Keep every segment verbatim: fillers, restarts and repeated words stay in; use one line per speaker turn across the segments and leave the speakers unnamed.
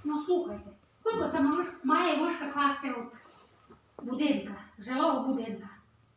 Ну слухайте, скільки це може- має вишка класти от будинка, жилого будинка?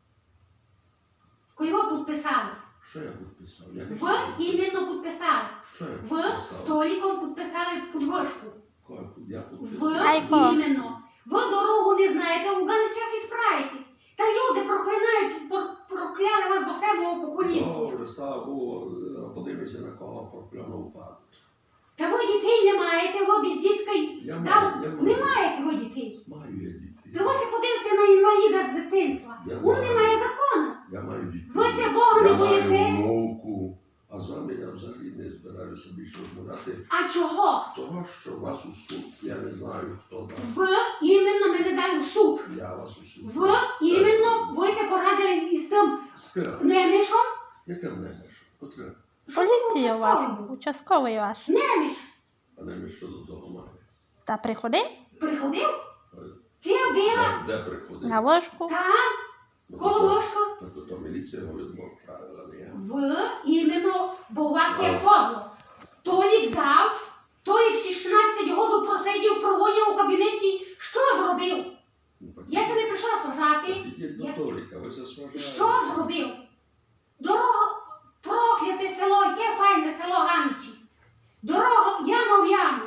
Його підписали.
Що я підписав? Я не
Ви іменно підписали.
Що я
Ви
підписав?
столиком підписали під вишку.
Кого я
Ви
підписав?
Айко.
іменно. Ви дорогу не знаєте, у ганцях і справите. Та люди проклинають, про- прокляли вас до самого покоління.
Добре, слава Богу, подивися на кого проклянув падає.
Та ви дітей не маєте, ви без дітка й-
Я
Та
маю, я
не
маю.
маєте ви дітей.
Маю я дітей.
Та ви се подивите на інваліда з дитинства.
Я
Він
маю.
не має закону.
Я маю дітей.
Ви ся Бога не
Я
боїте?
маю внуку. А з вами я взагалі не збираюся більше розмовляти.
А чого?
Того, що вас у суд, я не знаю, хто дав.
Ви іменно мене дали в суд.
Я вас у суд.
Ви
Це-
іменно, ви се порадили із тим
З ким?
немішом.
Яке немеш? Котре?
Поліція
Що
ваша,
ви
участковий ваш.
Неміш.
А немеш що до того має?
Та приходив
Приходив?
Е,
Ця біла.
Де, де приходить?
на вишку.
Там,
Ну,
коло
то-
ложка.
Так то міліція його відмовила, не я.
Ви іменно, бо у вас є
А.
подло. Толік дав, Толік шістнадцять років просидів, проводив у кабінеті. Що зробив?
Ну, так
Я це не прийшла сажати.
Підіть
Я-
до Толіка, ви засважаєте.
Що зробив? Дорога, прокляте село, яке файне село Ганичі. Дорога, яма в яму.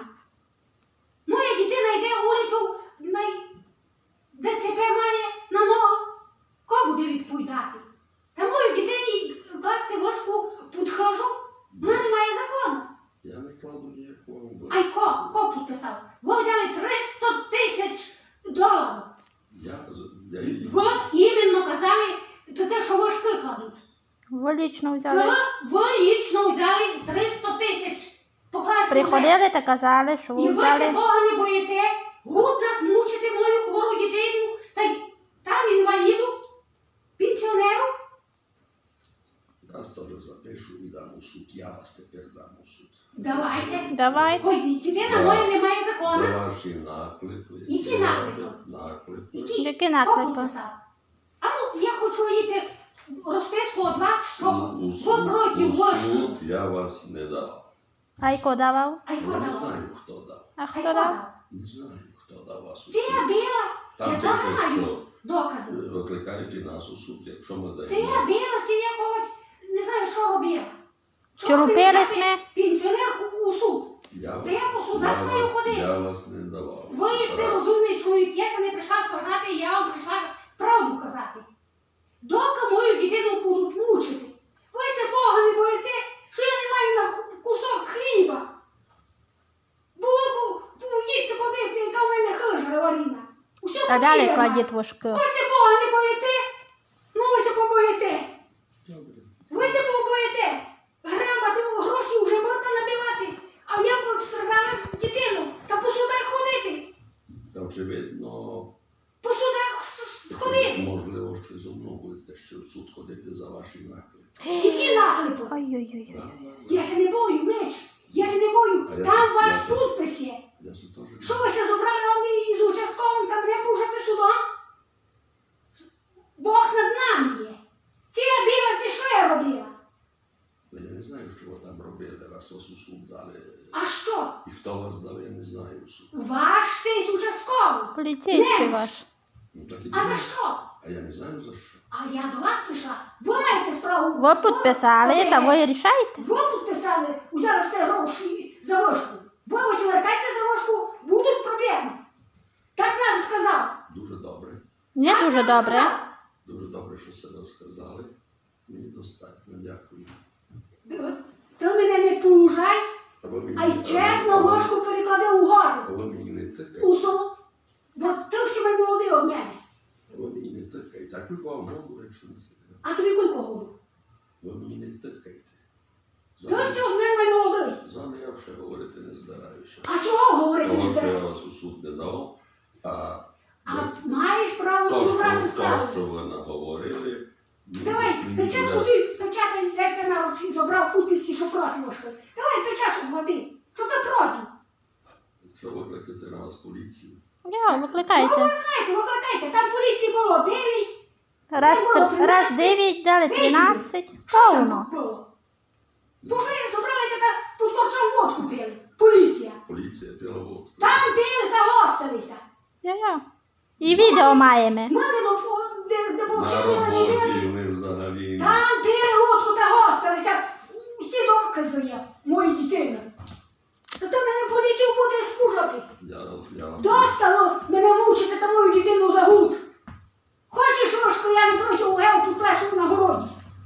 Моя дитина йде вулицю, най- ДЦП має на ногу. Кого буде відповідати? Та мою дитині класти ложку підхожу, вона не має закону.
Я не кладу ніякого.
А й ко, ко підписав? Ви взяли триста тисяч доларів.
Я, з- я її...
Ви іменно казали, то те, що вишки кладуть.
Ви лічно
Ви,
взяли.
ви лічно взяли триста тисяч покласти. вже.
Приходили та казали, що
І
ви
ви се
взяли.
Бога не боїте. Гуд нас мучити мою хвору дитину, та й там інваліду, пенсіонеру.
Я вас теж запишу і дам у суд. Я вас тепер дам у суд.
Давайте.
Давайте.
Ой, дитина
За-
моя не має
За
закону.
ваші наклепи.
Які наклепи?
Наклепи.
Які?
Які
Хто
наклепи?
підписав? А ну, я хочу їти розписку від вас, що
У
ви
суд,
проти
у
вишку.
суд я вас не дав.
Айко давав.
А й
Я
хто
не
дав?
знаю, хто дав.
А
А й
хто
хто
дав?
дав?
Не знаю, хто дав вас у
Це
суд.
біла.
Там
Я теж
пише,
маю
що
докази.
е, викликають нас у суд, якщо ми
Це
даємо.
я біла, це я когось, не знаю, що робила.
Чи робили
дати
сме?
Пенсіонерку у суд.
Я
Та я по судах
я
маю
вас-
ходити.
Я вас не давав.
Ви єсте розумний чоловік, я це не прийшла сважати, я вам прийшла правду казати. Доки мою дитину будуть мучити. Ви се Бога не боїте, що я не маю на кусок хліба. Було б, повідіться подивити, яка в мене хижа варіна. Усю
Та далі
покірена.
кладіть вишки.
Ви се Бога не боїте? Ну ви се побоїте.
Добре.
Ви се побоїте. Грабати гроші вже можна набивати. А я пострадала дитину та по судах ходити.
Та очевидно,
По судах с- ходити.
можливо, що зо мною будете ще в суд ходити за ваші наклепи.
Які наклепи?
Ой-ой-ой.
Да, да,
Я
да.
се не бою, меч. Я се не бою.
А я
Там
се-
ваш
я се-
підпис є.
Я це теж
Що ви се забрали вони із участковим та мене пужати судом? Бог над нами є. Ці біла, це що я робила?
Я не знаю, що ви там робили, раз вас у суд дали.
А що?
І хто вас дав, я не знаю у суд.
Ваш сей з участковим.
Поліцейський
Немеш.
ваш.
Ну так і
А за
думаю.
що?
А я не знаю за що.
А я до вас прийшла. Ви маєте справу.
Ви підписали, та ви рішайте.
Ви підписали, взяли сте гроші за вишку. Ви вертайте за вишку, будуть проблеми. Так нам сказав.
Дуже добре.
Не
Так
дуже
нам
добре.
сказав.
Дуже добре, що це розказали. Мені достатньо, дякую.
Ти мене не поужай,
А ви мені,
а й чесно
ви-
вишку переклади
а
угору.
ви мені не тикайте.
У село. Бо ти ще мене молодий від мене.
Ви мені не тикайте. Так ви вам можу, якщо не секрет.
А тобі кілько году?
Ви мені не тикайте. З
Ти
вами-
ще від мене молодий.
З вами я вже говорити не збираюся.
А чого говорити не
Тому що я
збираєш?
вас у суд не дав, а
А маєш право
то,
розібрати
що, то,
справу.
що ви наговорили, мені-
Давай,
мені
печатку
буде-
ти, печатку йдеться на руці, забрав путиці, що проти вишки. Давай печатку клади, що ти проти.
Якщо викликати на вас поліцію,
Я, викликайте.
Знаєте, викликайте, там поліції було дев'ять.
Раз, тр- раз дев'ять, дали тринадцять. Повно.
Було. Боже, зібралися та тут корчом водку пили. Поліція.
Поліція пила водку.
Там пили та гостилися.
Йо-йо. І відео маємо.
Ми не допу- де, де
На
повшили не
роботі
вірили.
вони взагалі.
Там пили водку та гостилися. Всі докази є, мої дитини. То ти мене поліцію будеш служити.
Я, я вас
Достало мене мучити та мою дитину за гуд. Хочеш, Рошко, я не проти гел підплешу на городі.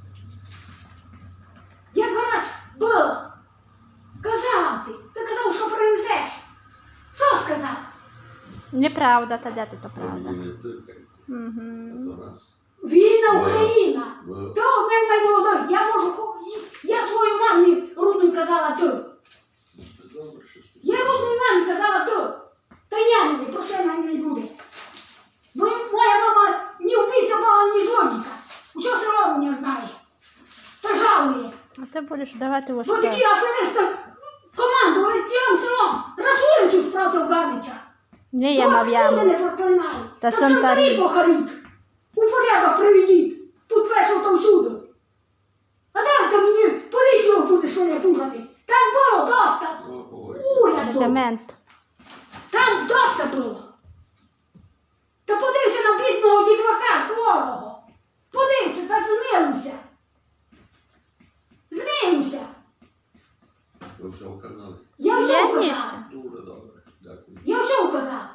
Я два раз била. Казала ти. Ти казав, що принесеш. Що сказав?
Неправда, та де тут то
ви
правда?
мені не тикайте.
Угу.
То раз.
Вільна
Ви-
Україна.
ви-
Ти у мене наймолодий. Я можу, хо- я свою мамі рудною казала ти.
Це добре, що ти.
Я рудною мамі казала ти. Та я мені, про що мене не буде. Бо моя мама ні вбійця була, ні злодійка. Усього село мене знає. Та жалує.
А ти будеш давати
Бо
ложку.
такі аферисти командували цілим селом. Раз вулицю справді в Гарнича.
Ні, я
Та вас
мав яму.
люди не проклинають.
Та
Та
центарі.
центарі похаріть. У порядок приведіть. Тут першого та всюди. А далі ти мені поліцію будеш мене пужати. Там було доста.
О, говори.
Уряд був.
Демент.
Там доста було. Та подивися на бідного дітвака хворого. Подивися та змилуйся. Змилуйся.
Ви вже вказали.
Я все
Є
вказала.
ніщо?
Дуже добре. Дякую.
Я все вказала.